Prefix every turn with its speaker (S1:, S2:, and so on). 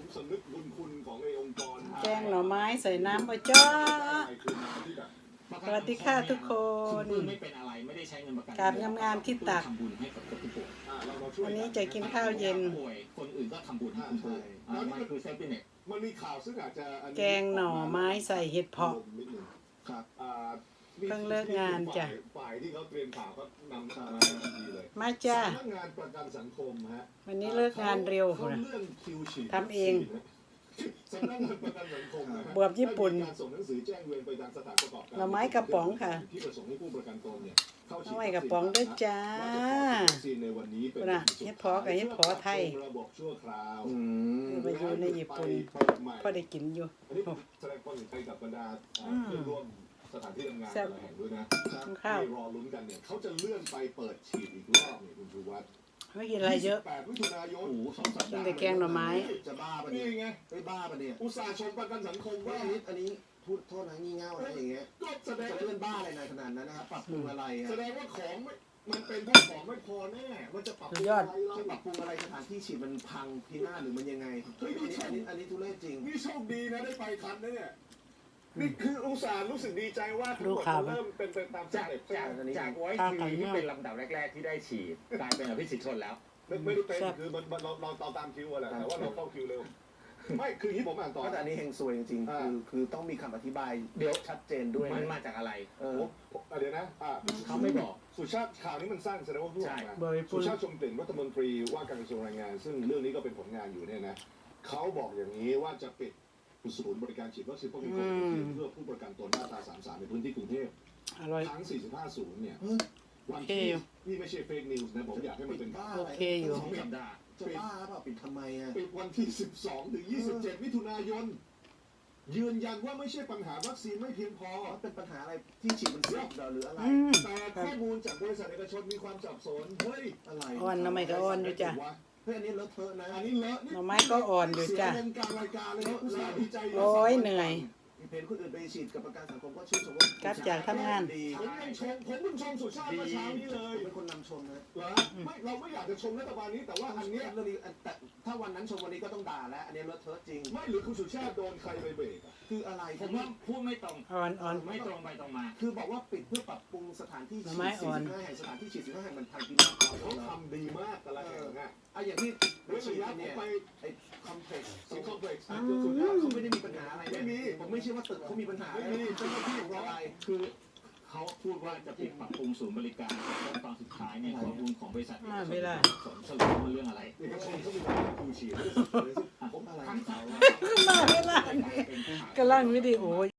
S1: สำนึกบุญคุณของไอ้องค์กร
S2: แกงหน่อไม้ใส่น้ำปลาจ้าสวัสดีค่ะทุกคน
S3: ไม่เป็นอะไรไม่ได้ใช้เงินประกัน
S2: กราบงามๆที่ตัก
S3: ทำบุญให้กับผู้ป่วย
S2: วันนี้จะกินข้าวเย็น
S3: ป่วยคนอื่นก็ทำบุญให้คุณป่วยมันคือเซฟตี้เน็ต
S1: มันมีข่าวซึ่งอาจจะ
S2: แกงหน่อไม้ใส่เห็ดเผาะ
S1: ครับ
S2: เพิ่งเลิกงานจ้ะ
S1: ฝ่ายที่เขาเตรียมข่าวก็นำข่าวมาทันทีเลย
S2: มาจ้า
S1: สำนักงานประกันสังคมฮะ
S2: วันนี้เลิกงานเร็ว
S1: เขา
S2: นะ
S1: เลื่อนคิวฉีด
S2: ทำเอง
S1: สำนักงานประกันสังคมนะฮะ
S2: บวบญี่ปุ่น
S1: ได้มีการส่งหนังสือแจ้งเวียนไปยังสถานประกอบการ
S2: หน่อไม้กระป๋องค่ะ
S1: ที่ประสงค์ให้ผู้ประกันตนเนี่ยเข้าฉีด
S2: หน่อไม้กระป๋องด้วยจ้า
S1: และจะขอฉีดวัคซีนในวันนี้เป็น
S2: น่ะเฮ็ดเพาะกับเฮ็ดเพาะไทย
S1: ระบบชั่วคราว
S2: ไปอยู่ในญี่ปุ่นพอได้กินอยู่
S1: อันนี้แสดงความเห็นใจกับบรรดาเพื่อนร่วมสถานที่ทำงาน
S2: แซ่บ
S1: แต่ละแห่งด้วยนะ
S2: ข้าว
S1: ที่รอลุ้นกันเนี่ยเขาจะเลื่อนไปเปิดฉีดอีกรอบเนี่ยคุณชูวัฒน์
S2: ไม่กินอะไรเยอะ
S1: 28 มิถุนายน
S3: โอ้โห2 สัป
S2: กิน
S3: ดาห์
S2: แต่แกงหน่อไม้
S4: จะบ้าปะ
S1: นี่
S4: เนี่ย
S1: ไง
S4: ไม่บ้าปะเนี่ย
S1: อุตส่าห์ชมประกันสังคมว่า
S4: อันนี้พูดโทษนะงี่เง่าอะไรอย่างเงี้ย
S1: ก็แสดง
S4: จะเลื่อนบ้าอะไรในขนาดนั้นนะครับปรับปรุงอะไรอะ
S1: แสดงว่าของไม่มันเป็นแค่ของไม่พอแน่มันจะปรับปรุง
S2: สุดยอด
S1: อะไรเรา
S4: จะปรับปรุงอะไรสถานที่ฉีดมันพังพินาศหรือมันยังไงอันนี้ทุเรศจริง
S1: นี่โชคดีนะได้ไปทันนะเนี่ยนี่คืออุตส่าห์รู้สึกดีใจว่าทั้งหมดมันเริ่มเป็นไปตามส
S3: จาก
S1: เต็ป
S3: จากไว้ทีที่เป็นลำดับแรกๆที่ได้ฉีดกลายเป็นอภิสิทธิ์ชนแล้ว
S1: ไม่ได้เป็นคือมันเราตามคิวอะแหละแต่ว่าเราเข้าคิวเร็วไม่คือที่ผมอ่านต่อ
S4: แต่อันนี้เฮงซวยจริงๆคือต้องมีคำอธิบายเดี๋ยวชัดเจนด้วย
S3: มันมาจากอะไร
S1: เดี๋ยวนะ
S3: เขาไม่บอก
S1: สุชาติข่าวนี้มันสั้นแสดงว่าพูดออกมา
S2: บริพู
S1: สุ
S2: ด
S1: ชาติชมกลิ่นรัฐมนตรีว่าการกระทรวงแรงงาน ซึ่งเรื่องนี้ก็เป็นผลงานอยู่เนี่ยนะเขาบอกอย่างนี้ว่าจะปิดศูนย์บริการฉีดวัคซีนป้องกันโควิดเพื่อผู้ประกันตนมาตรา33ในพื้นที่กรุงเทพ
S2: อร่อย
S1: ทั้ง45ศูนย์เนี่ยวันที่นี่ไม่ใช่เฟกนิวส์นะผมอยากให้มันเป็น
S2: โอเคอยู่
S3: 2 สัปดาห์
S4: จะบ้าเปล่าปิดทำไมอ่ะ
S1: ปิดวันที่12ถึง27มิถุนายนยืนยันว่าไม่ใช่ปัญหาวัคซีนไม่เพียงพอ
S4: มันเป็นปัญหาอะไรที่ฉีดมันเสียหรืออะไร
S1: แต่ข้อมูลจากบริษัทเอกชนมีความสับสนเฮ้ย
S4: อะไร
S2: อ่อนทำไมก็อ่อนอยู่จ้ะ
S4: เฮ้ยอันนี้เลอะเทอะนะ
S1: อันนี้เลอะ
S2: หน่อไม้ก็อ่อนอยู่จ้ะ
S1: เสียเงินกลางรายการเลยนะอุตส่าห์ดีใจ
S2: โอ้ยเหนื่อย
S4: เพนคนอื่นไปฉีดกับประกันสังคมก็ชื่นชมว่าก
S2: ลับจากทำงาน
S4: ดี
S1: ผมยังชมผมเพิ่งชมสุชาติเมื่อเช้านี้เลย
S4: เป็นคนนำชมนะ
S1: เหรอไม่เราไม่อยากจะชมรัฐบาลนี้แต่ว่าอันเนี้ย
S4: เรื่องนี้แต่ถ้าวันนั้นชมวันนี้ก็ต้องด่าแล้ว อันนี้เลอะเทอะจริง
S1: ไม่หรือคุณสุชาติโดนใครไปเบรกอะ
S4: คืออะไร
S3: ผมว่าพูดไม่ตรง
S2: อ่อน
S3: ไม่ตรงไปตรงมา
S4: คือบอกว่าปิดเพื่อปรับปรุงสถานที่
S2: หน่
S4: ฉี
S2: อไม้
S4: ด
S2: อ่อน
S4: 45แห่งสถานที่ฉีด45แห่งมันพังพินาศ
S1: เขาทำดีมากแต่ละแห่งอะ
S4: อย่างที่
S1: เรื่อง
S4: ฉีด
S1: ระยะผม
S4: เนี่ย
S1: ไป
S4: ไอ้คอมเพล็กซ์
S1: สิงคโปร์
S4: สุดยอดเขาไม่ได้มีปัญหาอะไร
S1: ไม่มี
S4: ผมไม่เชื่อว่าตึกเขามีปัญหา
S1: ไม่มีเจ้าหน้าที่ร้อ
S4: อะไร
S1: ย
S3: คือเขาพูดว่าจะปิดปรับปรุงศูนย์บริการแต่ตอนสุดท้ายเนี่ยข้อมูลของบริษัทเอกชน
S2: ไม่ได้
S3: สรุปว่ามันเรื่องอะไร
S1: เอกชนเขามีการคิวฉีดไม่ได้สักเลย
S4: ผมอะไร
S3: ทั้งเสา
S2: มาไม่ล่ะกำลังวิดีโอ